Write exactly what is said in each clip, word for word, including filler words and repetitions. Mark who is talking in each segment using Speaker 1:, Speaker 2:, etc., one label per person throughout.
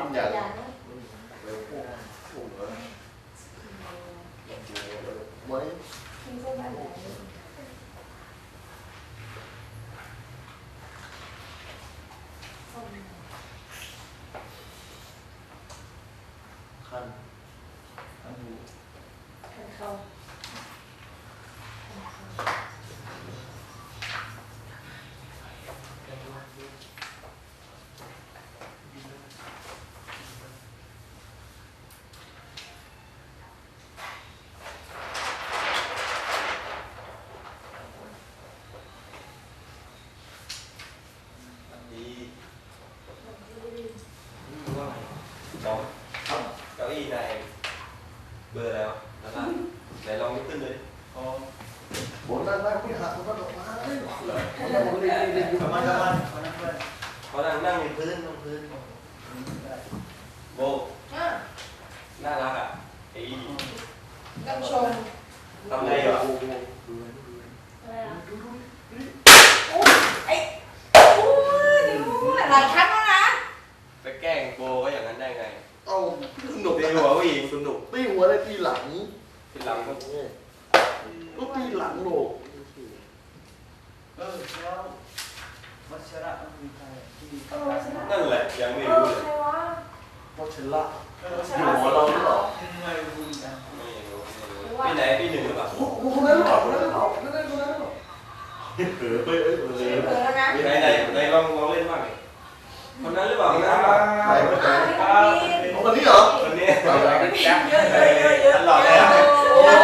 Speaker 1: นอย่างเร็วพวกพวกเหรอไว้คันคันหูคันเขา
Speaker 2: เก้าอี้ในเบอร์แล้วนะครับไหนลองยกขึ้นเลยอ๋อโบนั่งนั่งพี่หักมันก็ออกมาเลยนั่งบนเรียนเรียนอยู่ประมาณประมาณเขานั่งเลยเขานั่งนั่งในพื้นนั่งพื้นโบน่ารักอ่ะไอ้
Speaker 3: กำชม
Speaker 2: ทำไงอ่ะ
Speaker 3: อะไรอ่ะโอ้ไอ้โอ้ยหลายชั้นแล้วนะ
Speaker 2: ไปแกล้งโบก็อย่างนั้นได้ไง
Speaker 1: เอาสนุก
Speaker 2: ตีหัวผู้หญิงสนุก
Speaker 1: ตีหัวได้ตีหลัง
Speaker 2: ตีหลังก็
Speaker 1: ก็ตีหลังโลก
Speaker 4: เออแล้ววัชระมันมีใครที่
Speaker 2: นั่นแหละยังไม่รู้เลย
Speaker 1: วัชระอยู่หัวเราหรือเปล่า
Speaker 4: ไม่รู้จัง
Speaker 2: ไม่รู้พี่ไหนพี่หนึ่งหรือเปล่า
Speaker 1: คนนั้นหรือเปล่าคนนั้นหรือเปล่าคนนั้นคนนั้นหรือเปล่าเออเออเออ
Speaker 2: ไหนไหนไหนลองลองเล่นบ้างดิคนนั้นหรือเปล่าคนนั้น
Speaker 1: ไหนคนไหนคนนี้เหรอ
Speaker 2: คนนี้
Speaker 3: เยอะเยอะเยอะเยอะ
Speaker 2: หล่อเลยอ่ะ
Speaker 1: โอ้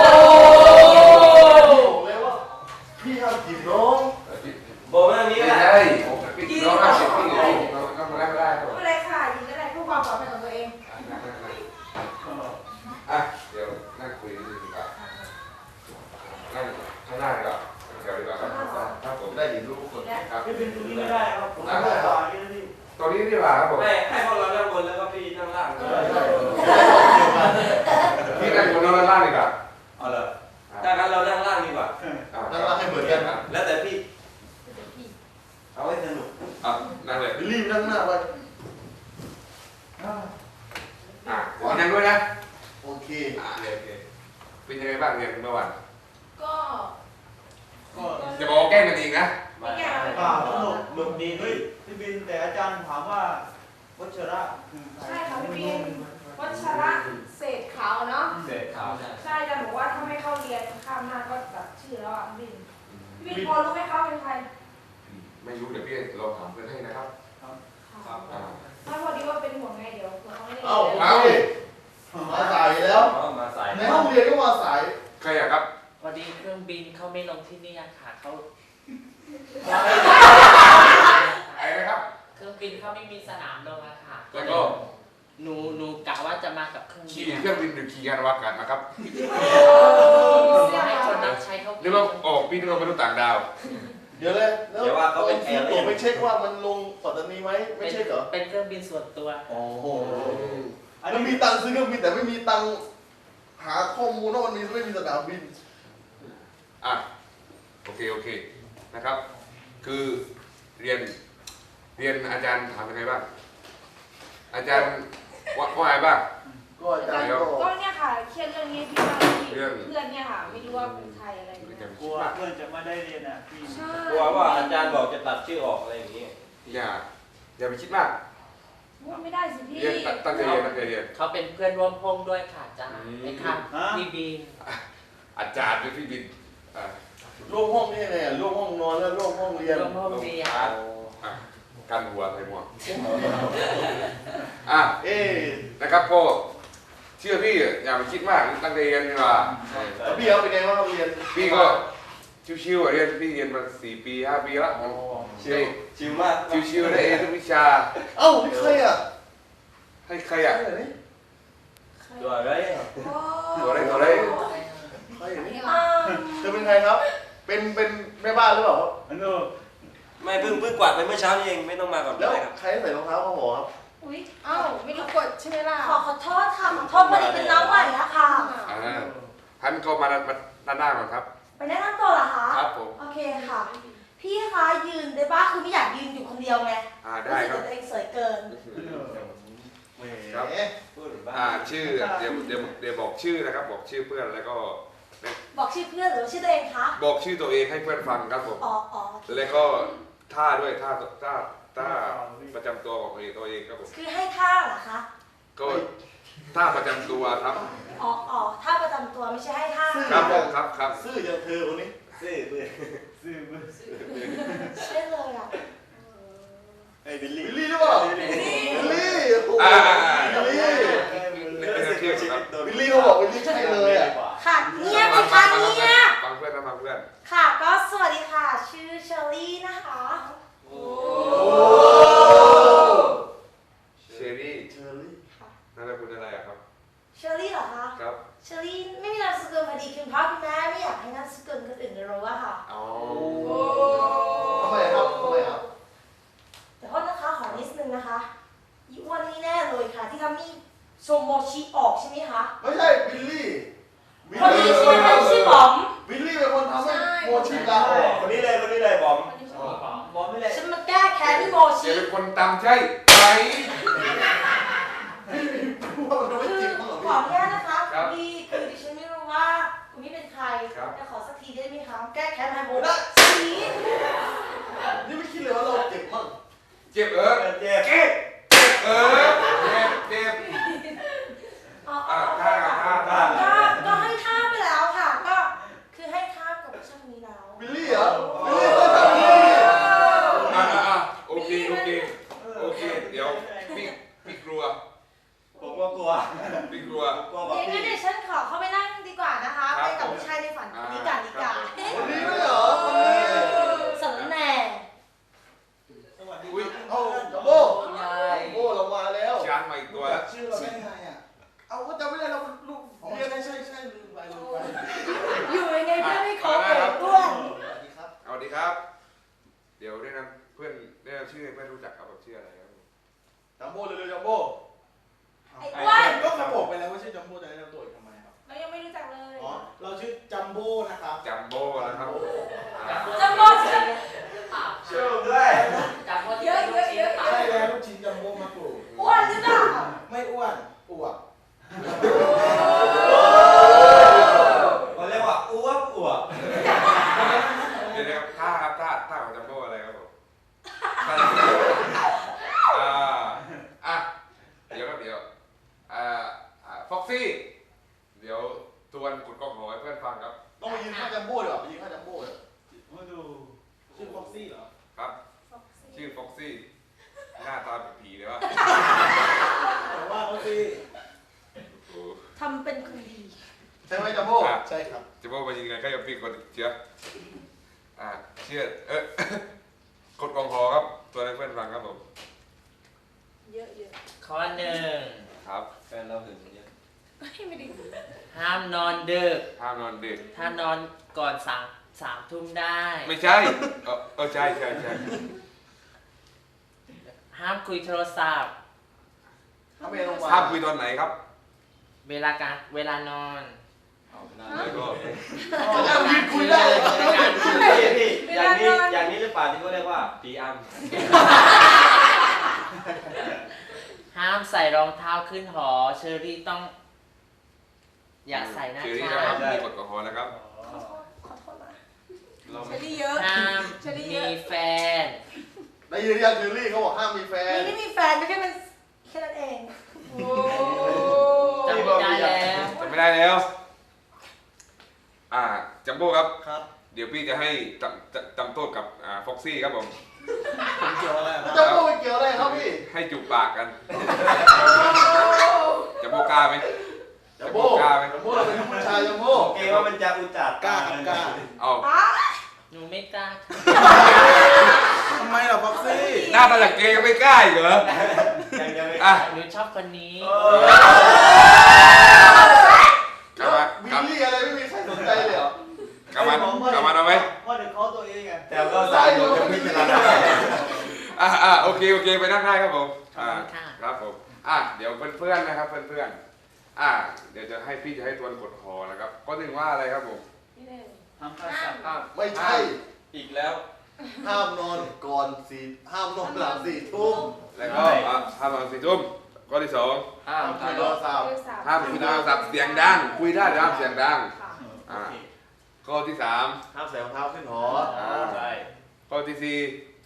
Speaker 1: เลยว่าพี่ห้ามจีบน้อง
Speaker 2: โบมานี้ก็ได้
Speaker 5: พี่น้องห้ามจีบพี่น้องก็มาได้ไม่ได้
Speaker 3: ไม่เป็นไรค่ะยิงก็ได้เพื่อความปลอดภัยของตัวเอง
Speaker 5: อ่ะเดี๋ยวนั่งคุยดีกว่านั่งข้างหน้าดีกว่าเดี๋ยวดีกว่าครับครับผม
Speaker 1: ได้ยินรู้ทุกคน
Speaker 5: ครับ
Speaker 4: ไม่เป็นตรงนี้ไม่ได้ครับผมไม่ได้ต่อนี่นี่
Speaker 5: ตรงนี้ดีกว่าครับผม
Speaker 2: ไม่ให้พวกเรานั่งบนแล้วก็พี่นั่งล่าง
Speaker 5: พี่นั่งบนแล้วล่างดีกว่า
Speaker 2: เอาเลยถ้างั้นเรานั่งล่างดีกว่า
Speaker 1: นั่งล่างให้เหมือนกัน
Speaker 2: แล้วแต่พี่เอาให้สนุก
Speaker 5: อ่ะนั่งเลย
Speaker 1: รีบนั่งหน้าไป
Speaker 5: อ่ะขอนั่งด้วยนะ
Speaker 1: โอเค
Speaker 5: อ่ะโอเคเป็นยังไงบ้างเรียนเมื่อวาน
Speaker 3: ก็
Speaker 4: ก็
Speaker 5: จะบอกแกล้งกันเองนะ
Speaker 3: ไม่แก้ว
Speaker 4: ป่าสนุกหนุกดีเฮ้ยพี่บินแต่อาจารย์ถามว่าวัชระคือใคร
Speaker 3: ใช่ค่ะพี่บินวัชระเศษขาวเนาะ
Speaker 2: เศษขาว
Speaker 3: ใช่อาจารย์บอกว่าถ้าไม่เข้าเรียนข้ามหน้าก็แบบชื่อแล้วอ่ะพี่บินพี่บินพอรู้ไหมคะเป็นใคร
Speaker 5: ไม่รู้เดี๋ยวพี่ลองถามเพื่อนให้นะครับ
Speaker 2: ครับ
Speaker 3: ถ้าพอดีว่าเป็นห่วงไงเดี๋ยวเขาไม่ได้
Speaker 1: เอ้ามาสายแล้ว
Speaker 2: มาสาย
Speaker 1: ในห้องเรียนก็มาสาย
Speaker 5: ใครอะครับ
Speaker 6: พอดีเครื่องบินเขาไม่ลงที่นี่ค่ะเขา
Speaker 5: อะไรนะครับ
Speaker 6: เครื่องบินเขาไม่มีสนามลงอะค่ะ
Speaker 5: แล้วก็
Speaker 6: หนูหนูกะว่าจะมากับเครื่องบิน
Speaker 5: ขี่เครื่องบินหรือขี่ยานอวกาศนะครับ
Speaker 6: ให้คนรับใช้เขา
Speaker 5: หรือว่าออกบินลงมนุษย์ต่างดาว
Speaker 1: เดี๋ยวเลยแล้วว่าเขาเป็นซื้อตั๋วไม่เช็คว่ามันลงปัตตานีไหมไม่เช็คเหรอ
Speaker 6: เป็นเครื่องบินส่วนตัว
Speaker 1: โอ้โหมันมีตังค์ซื้อเครื่องบินแต่ไม่มีตังค์หาข้อมูลว่ามันมีไม่มีสนามบิน
Speaker 5: อ่ะโอเคโอเคนะครับคือเรียนเรียนอาจารย์ถามยังไงบ้างอาจารย์ว่าว่าไงบ้าง
Speaker 1: ก็อาจารย์
Speaker 3: ก็เนี่ยค่ะเครียดเรื่องนี้พี่ว่าเพื่อนเนี่ยค่ะไม่รู้ว่าเป็นใครอะไรเงี้ย
Speaker 4: กลัวเพื่อนจะไม่ได้เรียนอ่ะพี่
Speaker 2: กลัวว่าอาจารย์บอกจะตัดชื่อออกอะไรอย่างนี้
Speaker 5: อย่าอย่าไปคิดมาก
Speaker 3: ไม่ได้สิพี่
Speaker 5: เรียนตั้งใจเรียนตั้งใจเรียน
Speaker 6: เขาเป็นเพื่อนร่วมห้องด้วยค่ะอาจารย์ไอ้ค่ะพี่บิน
Speaker 5: อาจารย์หรือพี่บิน
Speaker 1: ร่วมห้องนี่ไงร่วมห้องนอนแล้วร่วมห้องเรียน
Speaker 6: ร่วมห้องเรียน
Speaker 5: กันหัวใส่หมวกอ่ะ
Speaker 1: เอ๊
Speaker 5: นะครับพ่อเชื่อพี่อย่าไปคิดมากตั้งใจเรียนดีกว่า
Speaker 1: แล้วพี่เขาเป็นไงบ้างเรียน
Speaker 5: พี่ก็ชิวๆเรียนพี่เรียนมาสี่ปีห้าปีแล้ว
Speaker 2: ชิวชิวมาก
Speaker 5: ชิวๆได้เอทุกวิชา
Speaker 1: เอ้านี่ใครอ่ะ
Speaker 5: ให้ใครอ่ะ
Speaker 2: ตัวอะไร
Speaker 5: ตัวอะไรตัวอะไร
Speaker 1: ใครอย่างนี้จะเป็นใครครับเป็นเป็นแม่บ้านหรือเปล่า
Speaker 4: อันนู้
Speaker 2: ไม่เพิ่งเพิ่งกวาดไปเมื่อเช้านี่เองไม่ต้องมาก่อน
Speaker 1: แล้วใครใส่รองเท้าเขาบอกครับ
Speaker 3: อุ้ยเอ้าไม่รู้กดใช่ไหมล่ะ
Speaker 7: ขอขอโทษค่ะขอโทษพอดีเป็นน้องใหม่ละค่ะ
Speaker 5: ท่านก็มาด้านหน้าก่อนครับ
Speaker 7: ไปแนะนำตัวเหรอคะ
Speaker 5: ครับผม
Speaker 7: โอเคค่ะพี่คะยืนได้ป่ะคือไม่อยากยืนอยู่คนเดียวไง
Speaker 5: อ่าได้ครับ
Speaker 7: ตัวเองสวยเกิน
Speaker 2: ม
Speaker 5: ครับ
Speaker 2: พูดถึงบ้า
Speaker 5: อ่าน ชื่อเดี๋ยวเดี๋ยวเดี๋ยวบอกชื่อนะครับบอกชื่อเพื่อนแล้วก็
Speaker 7: บอกชื่อเพื่อนหรือชื่อตัวเองคะ
Speaker 5: บอกชื่อตัวเองให้เพื่อนฟังครับผม
Speaker 7: อ๋ออ๋อ
Speaker 5: แล้วก็ท่าด้วยท่าท่าท่าประจำตัวของตัวเองตัวเองครับผม
Speaker 7: คือให้ท่าเหรอคะ
Speaker 5: ก็ท่าประจำตัวครับ
Speaker 7: อ๋ออ๋อท่าประจำตัวไม่ใช่ให้ท่า
Speaker 5: ครับผมครับครับ
Speaker 1: ซื่ออย่างเธอคนนี้
Speaker 2: ซื่อเพื่อน
Speaker 4: ซื่อมือ
Speaker 7: เชื่อเลยอ่ะ
Speaker 2: ไอ้บิลลี่
Speaker 1: บิลลี่หรือเปล่าบิลลี่โอ้โห
Speaker 5: อ่า
Speaker 1: บิลลี่
Speaker 5: ไม่ไม่เชื่อครับ
Speaker 1: บิลลี่เขาบอกบิลลี่ใช่เลยอ่ะ
Speaker 7: ค่ะเงียบสิคะเงียบ
Speaker 5: ฟังเพื่อนนะฟังเพื่อน
Speaker 7: ค่ะก็สวัสดีค่ะ ชื่อเชอรี่นะคะ
Speaker 5: โอ้เชอรี่
Speaker 1: เชอรี่
Speaker 5: นามสกุลอะไรอะครับ
Speaker 7: เชอรี่เหรอคะ
Speaker 5: ครับ
Speaker 7: เชอรี่ไม่มีนามสกุลพอดีคุณพ่อคุณแม่ไม่อยากให้นามสกุลคนอื่นรู้อะค่ะ
Speaker 5: อ๋อ
Speaker 1: ทำไมครับทำไมครับ
Speaker 7: แต่โทษนะคะขอนิดนึงนะคะอีอ้วนนี่แน่เลยค่ะ ที่ทำนี่โชโมชิออกใช่ไหมคะ
Speaker 1: ไม่ใช่บิลลี่บิล
Speaker 7: คน
Speaker 1: ลี่
Speaker 7: นี้ชื่อคนชื่อบอม
Speaker 1: บิลลี่เป็นคนทำให้โมชิลาออก
Speaker 2: คนนี้เลยคนนี้เลยบอม
Speaker 4: บอลไม่เลย
Speaker 7: ฉันมาแก้แค้นที่โม
Speaker 5: เดี๋
Speaker 7: ชิ
Speaker 5: ยวเป็นคนตามใช่ไหม
Speaker 1: ว่ามันจะไม่
Speaker 7: คือ
Speaker 1: จริงมั้งเหรอ
Speaker 7: ขอ
Speaker 1: พี่
Speaker 7: อนุญาตนะคะคุณพี่คือดิฉันไม่รู้ว่าคุณพี่เป็นใครแต่ขอสักทีได้ไหมคะแก้แค้นไฮโบนะสี
Speaker 1: นี่ไม่คิดเลยว่าเราเจ็บมั้ง
Speaker 5: เจ็บเออ
Speaker 2: เจ็บ
Speaker 5: เจ็บเออเจ็บเจ็บ
Speaker 7: อ๋อ
Speaker 5: อ่าท่าท่าท่า
Speaker 7: ก็ก็ให้ท่าไปแล้วค่ะ ก็คือให้ท่ากับช่างนี้แล้ว
Speaker 1: บิลลี่เหรอบิลลี่ต้องทำบิลลี่
Speaker 5: อ่าอ่าโอเคโอเคโอเคเดี๋ยวพี่พี่กลัว
Speaker 2: ผมก็กลัว
Speaker 5: พี่กลัว
Speaker 2: กลัวบอ
Speaker 7: เดี๋ยว
Speaker 2: พี่
Speaker 7: งั้นเดี๋ยวฉันขอเข้าไปนั่งดีกว่านะคะ
Speaker 5: ครับ
Speaker 7: ไปกับผู้ชายในฝันคนนี้กันดีกว่า
Speaker 1: คนนี้ด้วยเหรอคนนี้
Speaker 7: สำแหน่
Speaker 4: สวัสดี
Speaker 5: อุ้ย
Speaker 1: เอาจัมโบ้
Speaker 6: ยา
Speaker 1: จั
Speaker 6: ย
Speaker 1: มโบ้เรามาแล้ว
Speaker 5: ช้างมาอีกตัวแล้ว
Speaker 1: ชื่อเราได้ไงอ่ะเอาก็จำไม่ได้เราลูกเรียนใช่ใช่ใช่ลืมไปลืมไป
Speaker 7: อยู่ยังไงเพื่อนไม่ขอเปิดด้วย
Speaker 1: สวัสดีครับ
Speaker 5: เอาดีครับ เดี๋ยวแนะนำเพื่อนแนะนำชื่อให้เพื่อนรู้จักครับแบบชื่ออะไรครับ
Speaker 1: จัมโบ้เร็วๆจัมโบ้
Speaker 7: ไอ้อ้วน
Speaker 1: ก็เขาบอกไปแล้วว่าชื่อจัมโบ้จะให้เราตัวอีกทำไมครับ
Speaker 7: เรายังไม่รู้จักเลย
Speaker 1: อ๋อเราชื่อจัมโบ้นะครับ
Speaker 5: จัมโบ้นะครับอ่า
Speaker 7: จัมโบ้ชื่อ
Speaker 2: ช่วยผมด้วย
Speaker 6: จับว่า
Speaker 7: เยอะเยอะเยอะ
Speaker 1: ใช่แล้วลูกชิ้นจัมโบ้มาปลูก
Speaker 7: อ้วนหรือเปล่า
Speaker 1: ไม่อ้วนอวบ
Speaker 2: เขาเรียกว่าอ้วกอ้วก
Speaker 5: เดี๋ยวนะครับท่าครับท่าท่าของจัมโบ้อะไรครับผมท่าอ่าอ่ะเดี๋ยวครับเดี๋ยวอ่าอ่าฟ็อกซี่เดี๋ยวทวนกดกล้องหอให้เพื่อนฟังครับ
Speaker 1: ต้องมายืนข้างจัมโบ้ดีกว่าไปยืนข้างจัมโบ้เลย
Speaker 4: มาดู
Speaker 1: ชื่อฟ็อกซี่เหรอ
Speaker 5: ครับ ชื่อฟ็อกซี่หน้าตาเป็นผีเลยวะ
Speaker 1: แต่ว่าฟ็อกซี่
Speaker 5: โอ้
Speaker 7: ทำเป็นคนดี
Speaker 1: ใช่ไหมจัมโบ้ใช่ครับ
Speaker 5: จัมโบ้มายิงกันใกล้กับพี่กดเชื้ออ่าเชื่อเอ๊ะ กดกล้องหอครับตัวให้เพื่อนฟังครับผม
Speaker 7: เยอะเยอะ
Speaker 6: ข้อหนึ่ง
Speaker 5: ครับ
Speaker 2: แฟนเราหึงเยอะ
Speaker 7: ไม่ได้
Speaker 6: ห้ามนอนดึก
Speaker 5: ห้ามนอนดึก
Speaker 6: ถ้านอนก่อนสามสามทุ่มได้
Speaker 5: ไม่ใช่เออเออใช่ใช่ใช่
Speaker 6: ห้ามคุยโทรศัพท์
Speaker 1: ถ้าเมย์ลงมา
Speaker 5: ห้ามคุยตอนไหนครับ
Speaker 6: เวลาการเวลานอน
Speaker 5: แล้วก็
Speaker 1: จะยืนคุยได้เหรอ
Speaker 2: พี่พี่อย่างนี้อย่างนี้หรือเปล่าที่เขาเรียกว่าปีอัม
Speaker 6: ห้ามใส่รองเท้าขึ้นหอ เชอรี่ต้อง อย่าใส่นะ
Speaker 5: ชื่อนี้
Speaker 6: คะ
Speaker 5: นะครับมีกดกล้องหอนะครับ
Speaker 7: ขอโทษนะ
Speaker 5: เรา
Speaker 7: เช
Speaker 5: ไม่
Speaker 7: อรี่เยอะ
Speaker 6: ห้าม
Speaker 7: เชอรี่เย
Speaker 6: มี
Speaker 7: อะ
Speaker 6: แฟน
Speaker 1: ได้ยินยังเชอรี่เขาบอกห้ามมีแฟน
Speaker 7: นี่ไม่มีแฟนไม่ใช่เป็นแค่นั้นเองโอ้
Speaker 6: จำไม่ได้แล้ว
Speaker 5: จะไม่ได้แล้ว อ่า จัมโบ้ครับ
Speaker 1: ครับ
Speaker 5: เดี๋ยวพี่จะให้จำจำจำโทษกับอ่าฟ็อกซี่ครับผม
Speaker 1: ผมเกี่ยวอะไรจัมโบ้ไม่เกี่ยวอะไรครับพี่
Speaker 5: ให้จูบปากกันจัมโบ้กล้าไหม
Speaker 1: จัมโบ้จัมโบ้เราเป็นผู้ชายจัมโบ้
Speaker 2: โอเคว่ามันจะอุจจาระ
Speaker 1: กล้าครับกล้า
Speaker 5: เอา
Speaker 6: หนูไม่กล้า
Speaker 1: ทำไมล่ะฟ็อกซี่
Speaker 5: หน้าตาจากเกย์ก็ไม่กล้าอีกเหรอ
Speaker 2: ยังยังไม่
Speaker 5: อ่ะ
Speaker 6: หนูชอบคนนี้
Speaker 5: กลับมา
Speaker 1: บิ
Speaker 5: กลั
Speaker 1: ล
Speaker 5: บ
Speaker 1: ลี่อะไรไม่มีใครสนใจเลยเหรอก
Speaker 5: ลับมากลับมาเอาไหม
Speaker 4: พ่อเด็กเขาตัวเองไง
Speaker 2: แต่ก็สารอยู่จะพิจารณา
Speaker 5: อ่าอ่าโอเคโอเคไปนั่งได้ครับผม
Speaker 6: ขอบ
Speaker 5: อ่า
Speaker 6: คุณค่ะ
Speaker 5: ครับผมอ่ะเดี๋ยวเพื่อนๆนะครับเพื่อนๆอ่าเดี๋ยวจะให้พี่จะให้ทวนกดหอนะครับก็ถึงว่าอะไรครับผม
Speaker 7: นี่หนึ่ง
Speaker 4: ทำข้าวสับ
Speaker 5: อ่ะ
Speaker 1: ไม่ใช่
Speaker 2: อีกแล้ว
Speaker 1: ห้ามนอนก่อนสี่ห้ามนอนหลังสี่ทุ่ม
Speaker 5: แล้วก็อ่ะห้ามนอนสี่ทุ่มกข้อที่สอง
Speaker 6: ห้าม
Speaker 1: คุยโทรศัพท์
Speaker 5: ห้ามคุยโทรศัพท์เสียงดังคุยได้แต่ห้ามเสียงดัง
Speaker 3: ค่ะ
Speaker 5: อ่าข้อที่สาม
Speaker 1: ห้ามใส่รองเท้าขึ้นหอ
Speaker 5: อ่า
Speaker 4: ใช่
Speaker 5: ข้อที่สี่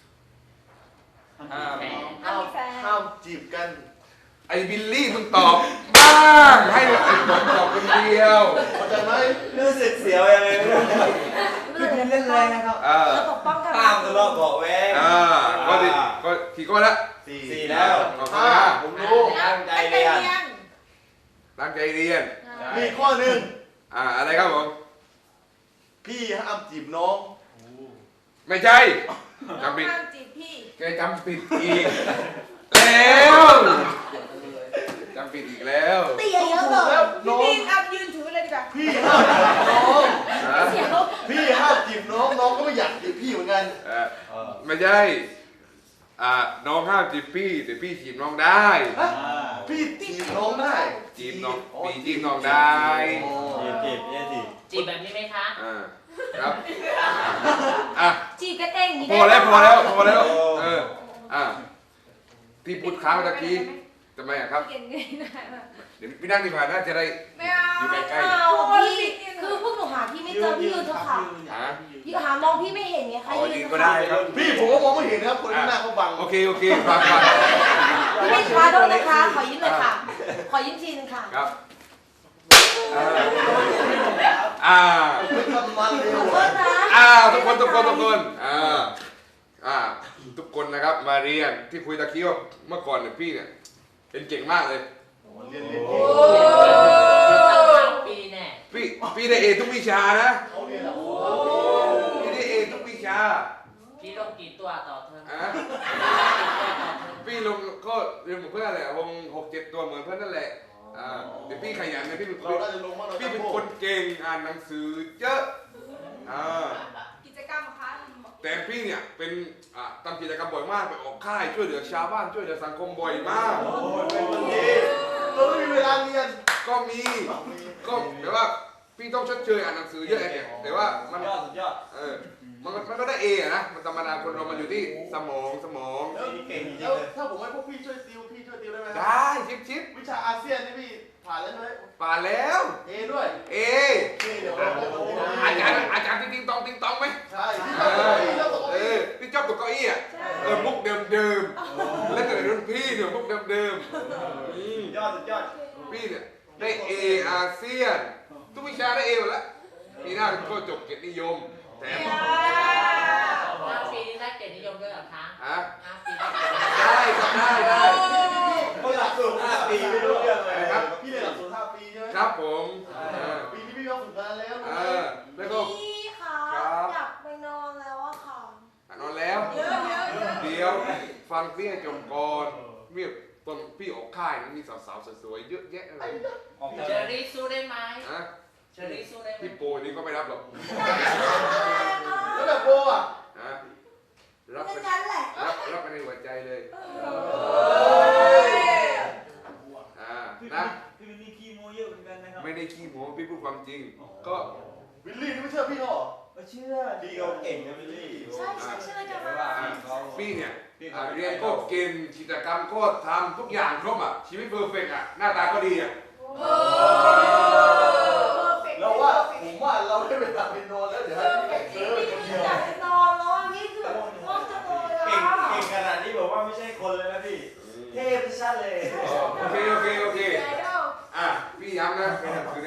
Speaker 4: ห้าม
Speaker 6: แฟน
Speaker 3: ห้ามมีแฟน
Speaker 1: ห้ามจีบกัน
Speaker 5: ไอ้บิลลี่มึงตอบบ้างให้ไอ้ผมตอบคนเดียว
Speaker 1: เข้าใจไหม
Speaker 4: รู้สึกเสียวยังไงไม่รู้พี่บินเล่นแรงนะครับ
Speaker 5: อ่า
Speaker 7: เราปกป้องกัน
Speaker 4: ห้ามทะเลาะเบาะแวง
Speaker 5: อ่าข้อที่ข้อกี่ข้อละ
Speaker 1: สี่
Speaker 4: สี่แล้ว
Speaker 5: ข้อที่
Speaker 1: ห้า
Speaker 5: ห้า
Speaker 1: ผมรู้
Speaker 4: ตั้งใจเรียน
Speaker 5: ตั้งใจเรียน
Speaker 1: มีข้อหนึ่ง
Speaker 5: อ่าอะไรครับผม
Speaker 1: พี่ห้ามจีบน้อง
Speaker 5: ไม่ใช่
Speaker 3: น้อง
Speaker 5: จำผิด
Speaker 3: ห้ามจีบพี่
Speaker 5: แกจำผิดอีกแล้วจำผิดอีกแล้ว
Speaker 7: เตี้ยเยอะเล
Speaker 1: แล้ว
Speaker 7: ย
Speaker 3: พี่
Speaker 1: น้อง
Speaker 3: บินเอายืนถือเลยดีกว่า
Speaker 1: พี่ห้ามจีบน้อง
Speaker 5: ฮะ
Speaker 3: เสียว
Speaker 1: พี่ห้ามจีบน้องน้องก็ไม่อยากจีบพี่เหมือนกัน
Speaker 5: เอ่อไม่ใช่อ่าน้องห้ามจีบพี่แต่พี่จีบน้องได้
Speaker 1: ฮะพี่จีบน้องได้
Speaker 5: จีบน้องพี่จีบน้องได้
Speaker 1: อ๋อ
Speaker 4: จีบจีบเนี่ยจีบ
Speaker 6: จีบแบบนี้ไหมคะ
Speaker 5: อ่าครับอ่ะ
Speaker 3: จีบกันเองอย่างนี้
Speaker 5: พอแล้วพอแล้วพอแล้วเอออ่ะที่พูดค้างตะกี้ทำไมอะครับ
Speaker 3: เก่งเงยได้ไหม
Speaker 5: เดี๋ยวพี่นั่งดีกว่าน่าจะได้
Speaker 3: ไม่เอา
Speaker 5: อยู่ใกล้
Speaker 7: เอาพี่คือพวกหนูหาพี่ไม่เจอพี่ยืนเถอะค่ะ
Speaker 5: ๆฮะ
Speaker 7: พี่หามองพี่ไม่เห็นไงคะ
Speaker 5: อ๋อ
Speaker 7: ยื
Speaker 5: ยื
Speaker 7: น
Speaker 5: น
Speaker 7: เถ
Speaker 5: ก็
Speaker 7: อะ
Speaker 5: ได้
Speaker 7: ค่ะ
Speaker 5: ครับ
Speaker 1: พี่ผมก็มองไม่เห็นนะครับคนข้างหน้าเขาบัง
Speaker 5: โอเคโอเคฟังฟัง
Speaker 7: พี่ไม่ขอโทษนะคะ ขอยิ้มหน่อยค่ะ ขอยิ้มทีนึงค่ะ
Speaker 5: ครับอ่าอ่า
Speaker 1: ไม่ทำมันเร็
Speaker 7: ข
Speaker 1: ว
Speaker 7: อโทษนะ
Speaker 5: อ่าทุกคนทุกคนทุกคนอ่าอ่าทุกคนนะครับมาเรียนที่คุยตะกี้ว่าเมื่อก่อนเนี่ยพี่เนี่ยเป็นเก่งมากเลย
Speaker 1: เรียนเรียน
Speaker 3: โอ้
Speaker 6: ปีแน่
Speaker 5: พี่พี่ได้เอทุกวิชานะ
Speaker 1: เขาเรียนอะโอ้
Speaker 5: พี่ได้เอทุกวิชา
Speaker 6: พี่ลงกี่ตัวต่อเทอม
Speaker 5: อ่ะพี่ลงก็เรียนเหมือนเพื่อนแหละวงหกเจ็ดตัวเหมือนเพื่อนนั่นแหละอ่าเดี๋ยวพี่ขยันนะพี่เป็นค
Speaker 1: เรา
Speaker 5: น
Speaker 1: น่าจะลงมากเรา
Speaker 5: พี่เป็นคนเก่งอ่านหนังสือเยอะอ่า
Speaker 3: กิจกรรมคะ
Speaker 5: แต่พี่เนี่ยเป็นอ่าทำกิจกรรมบ่อยมากไปออกค่ายช่วยเหลือชาวบ้านช่วยเหลือสังคมบ่อยมาก
Speaker 1: โอ้ยเป็นคนดีเราไม่มีเวลาเรียน
Speaker 5: ก็มีก็แต่ว่าพี่ต้องชดเชยอ่านหนังสือเยอะไงแต่ว่า
Speaker 4: สุ
Speaker 5: มัน
Speaker 4: ดยอดสุดยอด
Speaker 5: เออมันก็มันก็ได้เออะนะมันธรรมดาคนเรามันอยู่ที่สมองสมอง
Speaker 1: แล้ว
Speaker 4: นี่เก่งจริง
Speaker 1: แล้ว
Speaker 4: เลย
Speaker 1: ถ้าผมให้พวกพี่ช่วยติวพี่ช่วยติวได้ไหม
Speaker 5: ได้ชิปชิป
Speaker 1: วิชาอาเซียนนี่พี่ผ่านแล้วใช่ไหม
Speaker 5: ป่านแล้ว
Speaker 1: เอด้วย
Speaker 5: เอ
Speaker 1: เอเดี๋ยวเราจะลง
Speaker 5: อาจารย์อาจารย์ติ๊งตองติ๊งตองไหม
Speaker 1: ใช่ที่
Speaker 5: เอ
Speaker 1: เรา
Speaker 5: อ
Speaker 1: ที่เราตก
Speaker 5: เออพี่ชอบตกเก้าอี้อ่ะเออมุกเดิมเดิมๆแล้วแต่รุ่นพี่เนี่ยมุกเดิมเดิมๆอืม
Speaker 4: สุดยอดสุดยอด
Speaker 5: พี่เนี่ยได้เออาเซียนทุกวิชาได้เอหมดแล้วปีหน้าก็จบเกียรตินิยมแถม
Speaker 6: ห้าปีนี้ได้เกียรตินิยมด้วยเหรอคะ
Speaker 5: ฮะ
Speaker 6: ห้าปีได้เกียรตินิยม
Speaker 5: ได้ครับได้ได้
Speaker 4: เขาหลักสูตรห้าปีไม่รู้เรื่องเลย
Speaker 5: ครับ
Speaker 1: พี่เรียนหลักสูตรห้าปีใช่ไหม
Speaker 5: ครับผมเออ
Speaker 1: ปีนี้พี่ก็ฝึกงานแล้ว
Speaker 5: เออแล้วก็
Speaker 7: พี่คะ
Speaker 5: ครับ
Speaker 7: อยากไปนอนแล้วอะค่ะ
Speaker 5: นอนแล้ว
Speaker 3: เยอะเยอะเยอะ
Speaker 5: เดี๋ยวฟังพี่ให้จบก่อนเมื่อตอนพี่ออกค่ายนะมีสาวๆสวยๆเยอะแยะเลย
Speaker 4: ออก
Speaker 6: เชอรี่สู้ได้ไหม
Speaker 5: นะ
Speaker 6: เชอรี่สู้ได้ไหม
Speaker 5: พี่โปนี่ก็ไม่รับหรอก
Speaker 1: แล้วแบบโบอ่ะ
Speaker 5: นะรับ
Speaker 7: เป็
Speaker 5: เป็น น
Speaker 7: งั้นแหละ
Speaker 5: รับรับไปในหัวใจเลยอ่า
Speaker 4: พี่
Speaker 5: นะ
Speaker 4: พี่เป็นนี่ขี้โมเยอะเหมือนกันนะครับ
Speaker 5: ไม่ได้ขี้โม้พี่พูดความจริง ก็
Speaker 1: วิลลี่นี่ไม่เชื่อพี่เขาเหรอ
Speaker 4: ไม่เชื่อดีเขาเก่งนะพี่ลี่
Speaker 7: ใช่ใช่ใช่กัน
Speaker 4: ไม่
Speaker 7: มา
Speaker 4: ว่าเขา
Speaker 5: พี่เนี่ยอ่าเรียนก็เก่งกิจกรรมก็ทำทุกอย่างครบอ่ะชีวิตเพอร์เฟกต์อ่ะหน้าตาก็ดีอ่ะ
Speaker 1: เราว่าผมว่าเราได้เวลาไปนอนแล้วเดี๋ยวให้พี่เซิร์ฟคนเดียว
Speaker 7: อยากไปนอนแล้วอะพี่คือง่วงจังเลย
Speaker 4: เก่ง
Speaker 7: อะ
Speaker 4: เก่งขนาดนี้บอกว่าไม่ใช่คนเลยนะพี่ เทพชัดเลย
Speaker 5: โอเคโอเคโอเค
Speaker 3: ไอดอล
Speaker 5: อ่ะพี่ย้ำนะเป็นหนังสือ